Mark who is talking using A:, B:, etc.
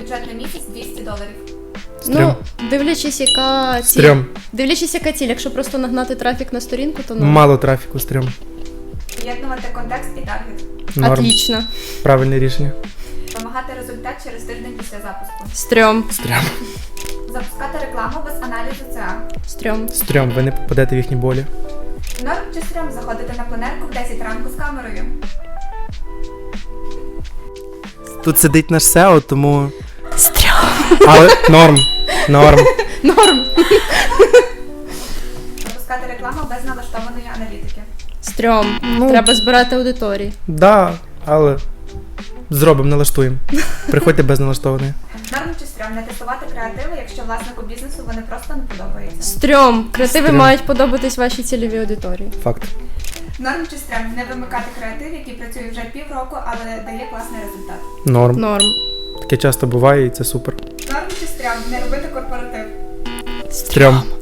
A: бюджет на місяць $200.
B: Стрьом.
C: Ну, дивлячись, яка ціль.
B: Стрьом.
C: Дивлячись, яка ціль. Якщо просто нагнати трафік на сторінку, то ну.
B: Мало трафіку, стрьом.
A: Поєднувати контекст і таргет.
B: Норм.
C: Отлично.
B: Правильне рішення.
A: Вимагати результат через тиждень після запуску.
C: Стрьом.
B: Стрьом.
A: Запускати рекламу без аналізу ЦА.
C: Стрьом.
B: Стрьом, ви не попадете в їхні болі.
A: Норм чи стрьом заходити на пленерку в 10 ранку з камерою.
B: Тут сидить наш SEO, тому...
C: Стрьом.
B: Але норм. Норм.
C: Норм.
A: Запускати рекламу без налаштованої аналітики.
C: Стрьом.
B: Ну.
C: Треба збирати аудиторії.
B: Да, але зробимо, налаштуємо. Приходьте без налаштованої.
A: Норм чи стрьом не тестувати креативи, якщо власнику бізнесу вони просто не подобаються.
C: Стрьом. Креативи
B: Стрьом.
C: мають подобатись вашій цільовій аудиторії.
B: Факт.
A: Норм чи стрьом не вимикати креатив, який працює вже півроку, але дає класний результат.
B: Норм.
C: Норм.
B: Таке часто буває і це супер.
A: Норм чи стрьом не робити корпоратив.
B: Стрьом.